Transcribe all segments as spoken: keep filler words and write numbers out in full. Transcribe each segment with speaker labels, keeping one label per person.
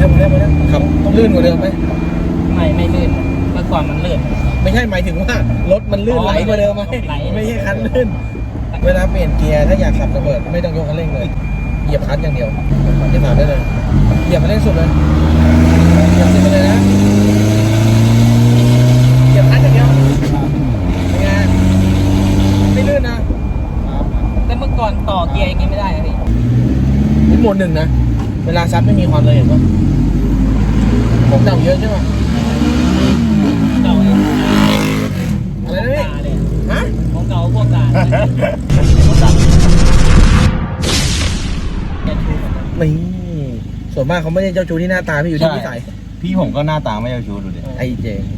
Speaker 1: แล้วมาแล้วมาแล้วขับลื่นกว่าเดิมไหม
Speaker 2: ไม่ไม่ลื่นเมื่อก่อนมันลื่น
Speaker 1: ไม่ใช่หมายถึงว่ารถมันลื่นไหลกว่าเดิมไหมไม่ใช่คันลื่นเวลาเปลี่ยนเกียร์ถ้าอยากขับระเบิดไม่ต้องยกคันเร่งเลยเหยียบคลัตช์อย่างเดียวจะถามได้เลยเหยียบคันเร่งสุดเลยเหยียบสุดไปเลยนะเหยียบคลัตช์อย่างเดียวเป็นไงไม่ลื่นนะ
Speaker 2: แต่เมื่อก่อนต่อเกียร์อย่างนี้ไม่ได้นะพี่
Speaker 1: นี่โหมดหนึ่งนะเวลาซัดไม่มีความเลยเห็นปะผมเดาเยอะใช่ไหม
Speaker 2: เก่า
Speaker 1: อะไรนะพี่ฮะ
Speaker 2: ของเก่าพวกกา
Speaker 1: นี่ส่วนมากเขาไม่ได้เจ้าชู้ที่หน้าตาพี่อยู่ที่นิสัย
Speaker 3: พี่ผมก็หน้าตาไม่เจ้าชู้ดูดิ
Speaker 1: ไอ้เจง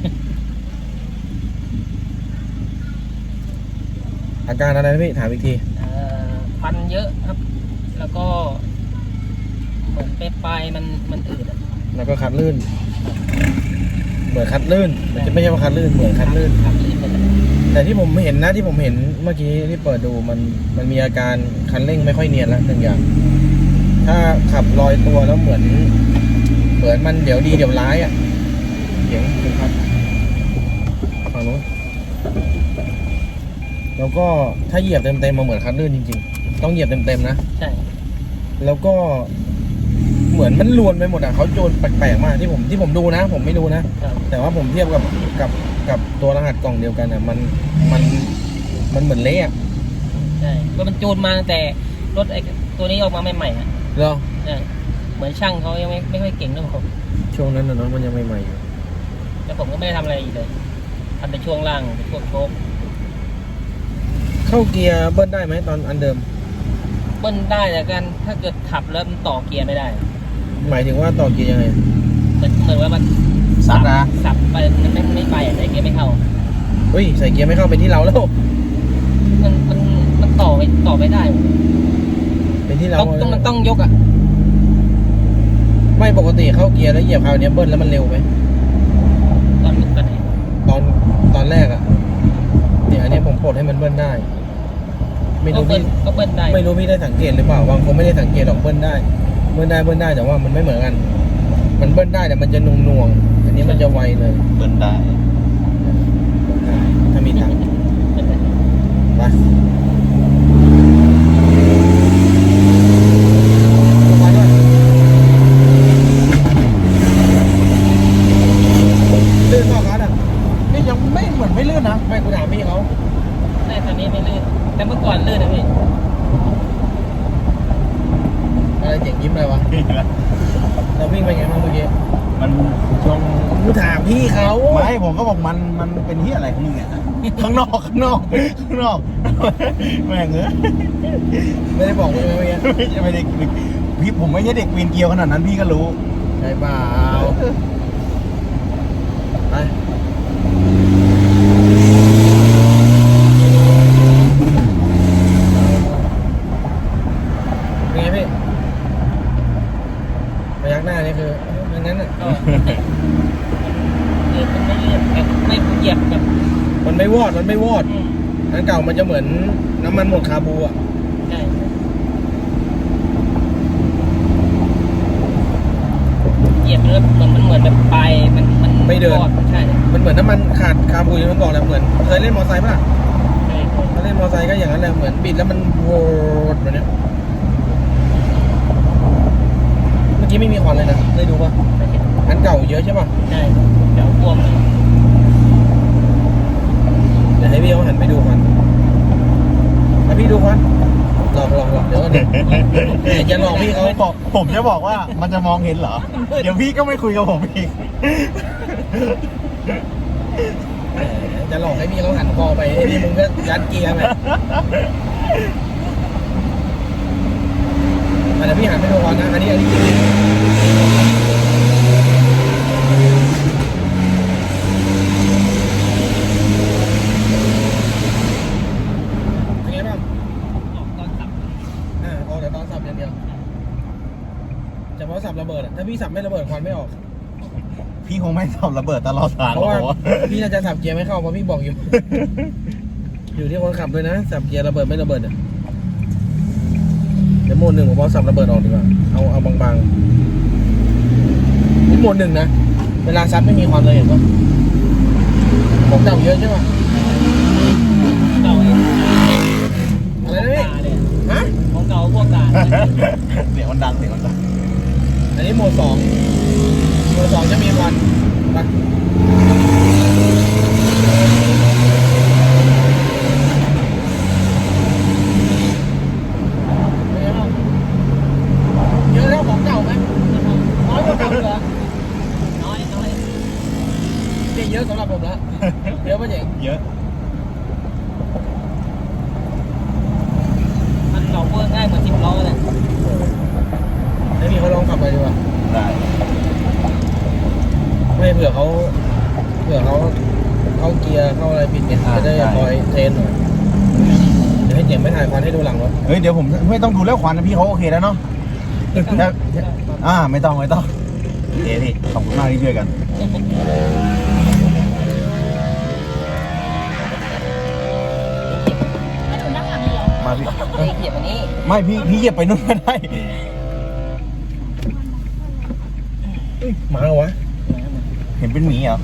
Speaker 1: อาการอะไรนะพี่ถามอีกที
Speaker 2: ควันเยอะครับแล้วก็เหมือนปลายมันมันอืด
Speaker 1: แล้วก็คัดลื่นเหมือนคัดลื่นมันจะไม่ใช่ว่าคัดลื่นเหมือนคัดลื่นแต่ที่ผมเห็นนะที่ผมเห็นเมื่อกี้ที่เปิดดูมันมันมีอาการคันเร่งไม่ค่อยเนียนแล้วหนึ่งอย่างถ้าขับลอยตัวแล้วเหมือนเหมือนมันเดี๋ยวดีเดี๋ยวร้ายอ่ะเสียงคุณครับฝั่งนู้นแล้วก็ถ้าเหยียบเต็มๆมาเหมือนคันลื่นจริงๆต้องเหยียบเต็มๆนะ
Speaker 2: ใช่
Speaker 1: แล้วก็เหมือนมันลวนไปหมดอ่ะเขาโจรแปลกๆมากที่ผมที่ผมดูนะผมไม่รู้นะแต่ว่าผมเทียบกับกับกับตัวรหัสกล่องเดียวกันอ่ะมันมันมันเหมือนเละอ่ะ
Speaker 2: ใช่ก็มันโจรมาแต่รถไอ้ตัวนี้ออกมาใหม่ๆอ่ะ
Speaker 1: เหรอ
Speaker 2: ใช่เหมือนช่างเขายังไม่ไม่ค่อยเก่งเรื่องของ
Speaker 1: ช่วงนั้นนะน้องมันยังใหม่ๆอยู่
Speaker 2: แล้วผมก็ไม่ได้ทำอะไรอีกเลยทำแต่ช่วงล่างพวกโชค
Speaker 1: เข้าเกียร์เบิ้ลได้ไหมตอนอันเดิม
Speaker 2: เบิ้ลได้แต่กันถ้าเกิดขับแล้วมันต่อเกียร์ไม่ได้
Speaker 1: หมายถึงว่าต่อเกียร์ยังไง
Speaker 2: เหมือนเหมือนว่ามัน
Speaker 3: สับนะ
Speaker 2: สับไปมันไม่ไม่ไปใส่เกียร์ไม่เข้า
Speaker 1: เฮ้ยใส่เกียร์ไม่เข้าเป็นที่เราแล้ว
Speaker 2: มันมันมันต่อไปต่อไม่ได้
Speaker 1: เป็นที่เรา
Speaker 2: ต้องมันต้องยกอ่ะ
Speaker 1: ไม่ปกติเข้าเกียร์แล้วเหยียบคราวนี้เบิ้ลแล้วมันเร็วไหม
Speaker 2: ตอนตอนไหน
Speaker 1: ตอนตอนแรกอ่ะเนี่ยอันนี้ผมปลดให้มันเบิ้ลได้ไม่รู้พี่
Speaker 2: ก็เบิ้ลได้
Speaker 1: ไม่รู้พี่ได้สังเกตหรือเปล่าบางคนไม่ได้สังเกตหรอกเบิ้ลได้เบิ้ลได้เบิ้ลได้แต่ว่ามันไม่เหมือนกันมันเบิ้ลได้แต่มันจะนุ่งน่วงอันนี้มันจะไวเลย
Speaker 3: เบิ้ลได้
Speaker 1: ถ้ามีตังค์ไปลื่นมากครับนี่ยังไม่เหมือนไม่ลื่นนะไม่กูถามพี่เขา
Speaker 2: ใช่ตอนนี้ไม่ลื่นแต่เมื่อก่อนลื่นนะพี่
Speaker 1: อะไรเจ๋งยิ้มเลยวะเราวิ่งไปไงบ้างเมื่อกี้
Speaker 3: มันช่วง
Speaker 1: กูถามพี่เขา
Speaker 3: ไม่ผมก็บอกมันมันเป็นที่อะไรของมึงเนี่ยข้างนอกข้างนอกข้างนอกแม่งเอ้ย
Speaker 1: ไม่ได้บอกเลยเมื่อกี้
Speaker 3: ไม่ได้พี่ผมไม่ใช่เด็กปีนเกลียวขนาดนั้นพี่ก็รู้
Speaker 1: ใช่เปล่าไปเป็นไงพี่พยักหน้านี่คืออย่างนั้นอ่ะ
Speaker 2: ก็คือมันไม่เลื่อนแบบไม่เหยียบแบบ
Speaker 1: มันไม่วอดมันไม่วอดอันเก่ามันจะเหมือนน้ำมันหมดคาบูอ่ะ
Speaker 2: ใช่เหยียบแล้วมันมันเหมือนแบบปลายมันมัน
Speaker 1: ไม่เดิน
Speaker 2: ใช่
Speaker 1: มันเหมือนน้ำมันขาดคาบูอย่างที่มันบอกแหละเหมือนเคยเล่นมอเตอร์ไซค์ป่ะ
Speaker 2: ใช่
Speaker 1: ถ้าเล่นมอเตอร์ไซค์ก็อย่างนั้นแหละเหมือนบิดแล้วมันโวดแบบนี้เมื่อกี้ไม่มีควันเลยนะได้ดูป่ะอันเก่าเยอะใช่ป่ะ
Speaker 2: ใช่เดี๋ยวพ่วง
Speaker 1: เดี๋ยวให้พี่เขาหันไปดูควันให้พี่ดูควันหลอกหลอกหลอกเดี๋ยวเดี๋ยวจะหลอกพี่เขา
Speaker 3: บอกผมจะบอกว่ามันจะมองเห็นเหรอเดี๋ยวพี่ก็ไม่คุยกับผมอีก
Speaker 1: จะหลอกให้พี่เขาหันคอไปไอ้นี่มึงก็ยัดเกียร์ไปอันนี้พี่หันไปดูควันนะอันนี้อันนี้จริงเฉพาะสับระเบิดถ้าพี่สับไม่ระเบิดควันไม่ออก
Speaker 3: พี่คงไม่สับระเบิดตลอดทาง
Speaker 1: เพราะว่าพี่น่าจะสับเกียร์ไม่เข้าเพราะพี่บอกอยู่ อยู่ที่คนขับด้วยนะสับเกียร์ระเบิดไม่ระเบิดเนี่ยเดี๋ยวโมดหนึ่งผมเอาสับระเบิดออกดีกว่าเอาเอาบางๆโหมดหนึ่งนะเวลาซัดไม่มีควันเลยเห็นปะของเก่าเยอะใช่ปะ
Speaker 2: เก่าเลย
Speaker 1: อะไรนะพี่
Speaker 2: กาเลย
Speaker 1: ฮะ
Speaker 2: ของเก่าพวกกา
Speaker 3: เสียงมันดังเสียงมันดัง
Speaker 1: อันนี้โหมดสองโหมดสองจะมีควันไปเป็นไงบ้างเยอะเท่าของเก่าไหมน้อยกว่าเก่าเหรอ
Speaker 2: น้อยน้อย
Speaker 1: นี่เยอะสำหรับผมแล้วเยอะปะเจ๋ง
Speaker 3: เยอะ
Speaker 2: มันเก่าเพิ่งง่ายเหมือนสิบล้อเลย
Speaker 1: ให้พี่เขาลองขับไปดีกว่า
Speaker 3: ได้
Speaker 1: ไม่เผื่อเขาเผื่อเขาเข้าเกียร์เข้าอะไรผิดเนี่ยจะได้คอยเทรนหน่อยเดี๋ยวให้เจ๋งไม่ถ่ายควันให้ดูหลังรถ
Speaker 3: เฮ้ยเดี๋ยวผมไม่ต้องดูแล้วควันนะพี่เขาโอเคแล้วเนาะถ้าอ่าไม่ต้องไม่ต้องโอเคพี่ขอบคุณมากที่ช่วยกันมาพี่
Speaker 2: เลยเกียบอันนี้
Speaker 3: ไม่พี่พี่เหยียบไปนู่นก็ได้
Speaker 1: มาเหรอวะ
Speaker 3: เห็นเป็นหมีเหรอ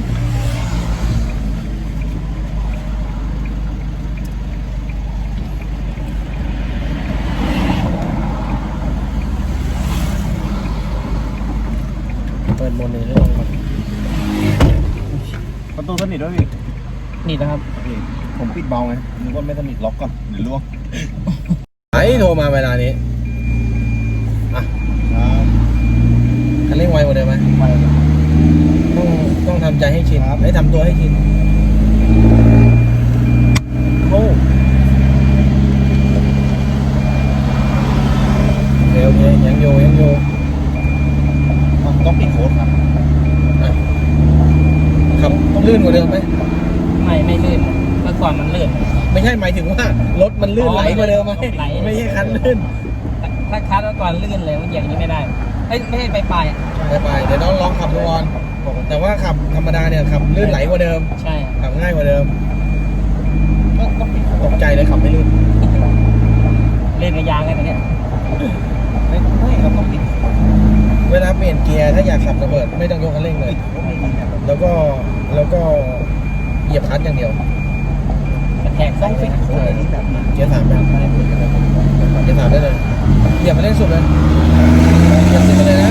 Speaker 1: เปิดโหมดหนึ่งให้ลองก่อน
Speaker 3: ประตูสนิทด้วยพี่
Speaker 1: นี่นะครับ
Speaker 3: พี่ผมปิดเบาไงนึกว่าไม่สนิทล็อกก่อนเดี๋ยวล่วง
Speaker 1: ไอ้โทรมาเวลานี้อ่ะ
Speaker 3: ครับ
Speaker 1: คันเร่งไวกว่าเดิมไหม
Speaker 3: ไปเลย
Speaker 1: ต้องต้องทำใจให้ชิน
Speaker 3: ครับ
Speaker 1: ให้ทำตัวให้ชินโอ้โอเคโอเคยังโยยังโย
Speaker 3: อ่ะต้องปิดโค้ดครับ
Speaker 1: อ่ะขับลื่นกว่าเดิมไหม
Speaker 2: ไม่ไม่ลื่นเมื่อก่อนมันลื่น
Speaker 1: ไม่ใช่หมายถึงว่ารถมันลื่น
Speaker 2: อ๋อ
Speaker 1: ไหลกว่าเดิมไหม
Speaker 2: ไหล
Speaker 1: ไม่ใช่คันลื่น
Speaker 2: ถ้าคัดเมื่อก่อนลื่นเลยมันเหยียบอย่างนี้ไม่ได้เอ้ยไม่ใช่ไปปลายๆอะ
Speaker 1: ไปไปเดี๋ยวน้องลองขับดูก่อนแต่ว่าขับธรรมดาเนี่ยขับลื่นไหลกว่าเดิม
Speaker 2: ใช่
Speaker 1: ขับง่ายกว่าเดิม
Speaker 3: ก็ต้องปิดโค้
Speaker 1: ต
Speaker 3: ด
Speaker 1: กใจเลยขับไม่ลื่น
Speaker 2: เล่นกับยางไงตรงเนี้ย
Speaker 3: ไม่ไม่ครับต้องปิดโค้ด
Speaker 1: เวลาเปลี่ยนเกียร์ถ้าอยากขับระเบิดไม่ต้องยกคันเร่งเลย
Speaker 3: ปิดโค้ดไม่ดีนะ
Speaker 1: แล้วก็แล้วก็เหยียบคลัตช์อย่างเดียว
Speaker 2: กระแทก
Speaker 3: ต้
Speaker 2: ใส่
Speaker 3: อง
Speaker 2: เล
Speaker 3: ปิ
Speaker 2: ย
Speaker 3: ด
Speaker 2: นะ
Speaker 3: โค้ดอะไรที่แบบนั้น
Speaker 1: เกียร์สามแบบ
Speaker 3: ไม่ได้ปิดกันแล้วผมบอก
Speaker 1: เกียร์สามได้เลยเหยียบมาเร่งสุดเลยเหยียบสุดไปเลยนะ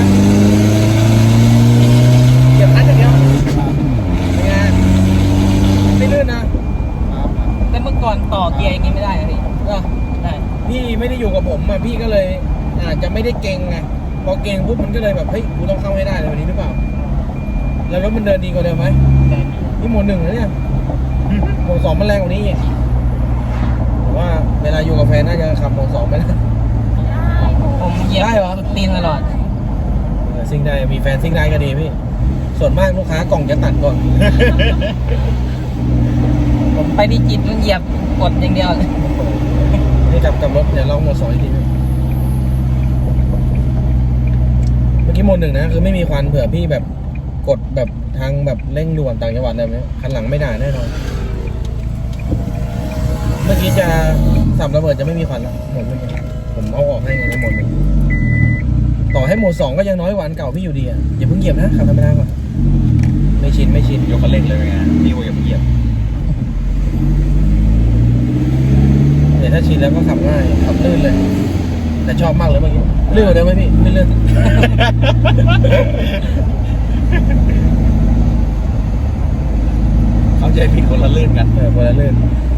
Speaker 1: เหยียบคลัตช์อย่างเดียวเป็นไงไม่ลื่นนะ
Speaker 2: แต่เมื่อก่อนต่อเกียร์อย่างนี้ไม่ได้นะพี่
Speaker 1: ก็
Speaker 2: ได้
Speaker 1: พี่ไม่ได้อยู่กับผมอ่ะพี่ก็เลยอาจจะไม่ได้เก่งไงพอเก่งปุ๊บมันก็เลยแบบเฮ้ยกูต้องเข้าให้ได้เลยวันนี้หรือเปล่าแล้วรถมันเดินดีกว่าเดิมไหม
Speaker 2: ได้
Speaker 1: นี่โหมดหนึ่งนะเนี่ยโหมดสองมันแรงกว่านี้อีกผมว่าเวลาอยู่กับแฟนน่าจะขับโหมดสองไปแล้ว
Speaker 2: ผมเหยียบ
Speaker 1: ได้เหรอ
Speaker 2: สุดตีนตลอด
Speaker 1: เออซิ่งได้มีแฟนซิ่งได้ก็ดีพี่ ส่วนมากลูกค้ากล่องจะตัดก่อน
Speaker 2: ผมไปที่จิตมันเหยียบกดอย่างเดียวเลย
Speaker 1: นี่กลับกับรถเดี๋ยวลองโหมดสองอีกทีนึงเมื่อกี้โหมดหนึ่งนะคือไม่มีควันเผื่อพี่แบบกดแบบทางแบบเร่งด่วนต่างจังหวัดอะไรแบบนี้คันหลังไม่ได้แน่นอน เมื่อกี้จะสับระเบิดจะไม่มีควันแล้วโหมดหนึ่งผมเอาออกให้ไงในโหมดหนึ่งต่อให้โหมดสองก็ยังน้อยกว่าอันเก่าพี่อยู่ดีอ่ะอย่าเพิ่งเหยียบนะขับธรรมดาก่อนไม่ชินไม่ชิน
Speaker 3: ยกคันเร่งเลยไงพี่ว่าอย่าไปเหยียบ
Speaker 1: เดี๋ยวถ้าชินแล้วก็ขับง่ายขับลื่นเลย แต่ชอบมากเลยเมื่อกี้ลื่นกว่าเดิมไหมพี่ไม่ลื่น
Speaker 3: เขาใจผิดคนละลื่นกัน
Speaker 1: เออคนละลื่น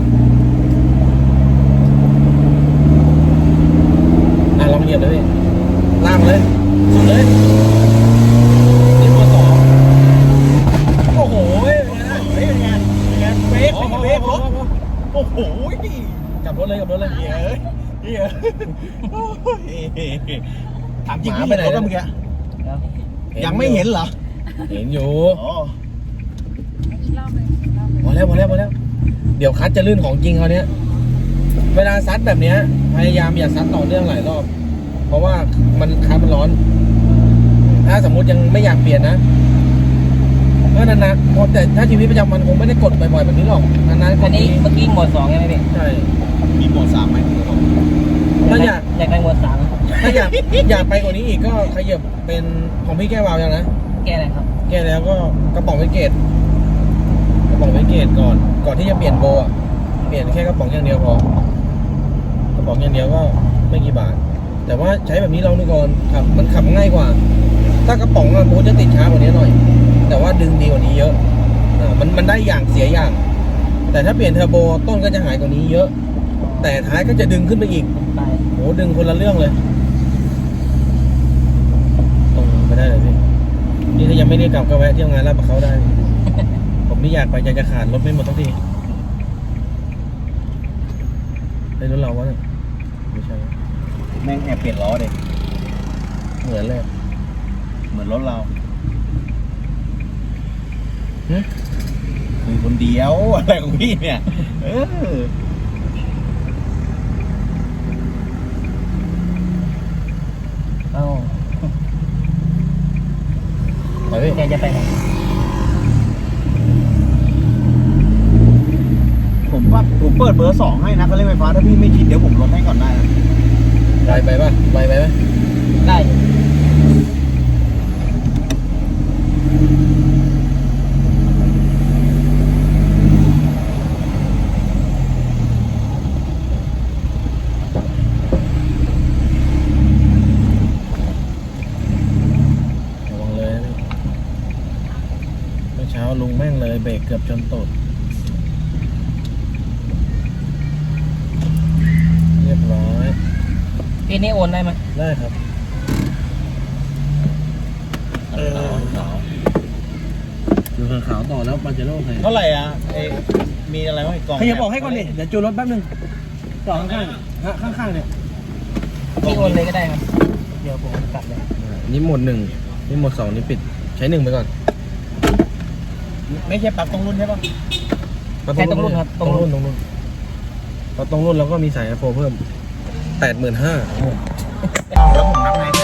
Speaker 1: อ่ะลองเหยียบเลยพี่ล่างเลยสุดเลยนี่ตัวสองโอ้โหเฮ้ยเป็นไงนะ
Speaker 3: เฮ้ยเป็นไงเป็นไงเบรก
Speaker 1: พอพอ
Speaker 3: เบรก
Speaker 1: พ
Speaker 3: ร
Speaker 1: อ
Speaker 3: ถ
Speaker 1: พอพอ
Speaker 3: โอ้โหนี่
Speaker 1: กลับรถเลยกลับรถเลย
Speaker 3: เหี้ยเอ้ยเหี้ยโอ้ยถามจริง
Speaker 1: หมา
Speaker 3: พี่
Speaker 1: ไปไหน
Speaker 3: เห็นรถเมื่อกี้
Speaker 2: แล้ว
Speaker 3: ยังไม่เห็นเหรอ
Speaker 1: เห็นอยู่
Speaker 3: อ๋อ
Speaker 1: พอแล้วพอแล้วพอแล้ว เดี๋ยวคัดจะลื่นของจริงเขาเนี้ยเวลาซัดแบบเนี้ยพยายามอย่าซัดต่อเนื่องหลายรอบ เพราะว่ามันคัดมันร้อน ถ้าสมมุติยังไม่อยากเปลี่ยนนะก็นานๆเพราะแต่ถ้าชีวิตประจำวันคงไม่ได้กดบ่อยๆแบบนี้หรอกนานๆก
Speaker 2: อั
Speaker 1: ด
Speaker 2: นนี้
Speaker 1: ที
Speaker 2: เมื่อกี้หมวดสองใช่ไหมพี่
Speaker 1: ใช่
Speaker 3: มีโหมดสามไหม
Speaker 1: ถ้าอยาก
Speaker 2: อยากได้หมวดสาม
Speaker 1: ถ้าอยากอยากไปกว่านี้อีกก็ขยับเป็นของพี่แก้ววาวยังนะ
Speaker 2: แก้อะไรครับ
Speaker 1: แก้แล้วก็กระป๋องไวเกตกระป๋องไวเกตก่อน ก่อนที่จะเปลี่ยนโบอ่ะเปลี่ยนแค่กระป๋องอย่างเดียวพอกระป๋องอย่างเดียวก็ไม่กี่บาท แต่ว่าใช้แบบนี้ลองดูก่อนขับมันขับง่ายกว่า ถ้ากระป๋องอะโบจะติดช้ากว่านี้หน่อย แต่ว่าดึงดีกว่านี้เยอะอ่ามันมันได้อย่างเสียอย่าง แต่ถ้าเปลี่ยนเทอร์โบต้นก็จะหายกว่านี้เยอะ แต่ท้ายก็จะดึงขึ้นไปอีก
Speaker 2: ไป
Speaker 1: โหดึงคนละเรื่องเลยตรงไปได้เลยพี่นี่ถ้ายังไม่ได้กลับก็แวะเที่ยวงานลาดประเขาได้ ผมนี่อยากไปอยากจะขาดรถไม่หมดทุกทีในรถเราวะเนี่ยไม่ใช่
Speaker 3: แม่งแอบเปลี่ยนล้อเด็
Speaker 1: เหมือนเลย
Speaker 3: เหมือนรถเรา
Speaker 1: หึ
Speaker 3: คุยคนเดียว อะไรของพี่เนี่ย เออ
Speaker 2: เอ้า
Speaker 1: ไปพี่
Speaker 2: แกจะไปไหน
Speaker 3: ผมว่าผมเปิดเบอร์สองให้นะเขาเล่นไฟฟ้าถ้าพี่ไม่ชินเดี๋ยวผมลดให้ก่อนได้นะ
Speaker 1: ไปไปป่ะไปไปไหม
Speaker 2: ได้
Speaker 1: ระวังเลยนะพี่เมื่อเช้าลุงแม่งเลยเบรกเกือบชนตูดเรียบร้อย
Speaker 2: พี่นี่โอนได้ไหม
Speaker 1: ได้ครับดูขาวต่อแล้วปาเจโร่ใคร
Speaker 3: เท่าไหร่อ่ะเอยมีอะไรบ้างอีกกล่อง
Speaker 1: ขยับออกให้ก่อนดิ เดี๋ยวจูนรถแป๊บนึงต่อข้างๆฮะข้างๆเนี่ย
Speaker 2: พี่โอนเลยก็ได้ครับ เดี๋ยวผมกลับเลย
Speaker 1: นี่หมดหนึ่งนี่หมดสองนี่ปิด ใช้หนึ่งไปก่อน
Speaker 3: ไม่ใช่ปลั๊กตรงรุ่นใช่ปะ
Speaker 2: ใช้ตรงรุ่นครับ
Speaker 1: ตรงรุ่นตรงรุ่นพอตรงรุ่นแล้วก็มีสายไอโฟเพิ่มแปดหมื่นห้า
Speaker 3: แล้วผมนับไง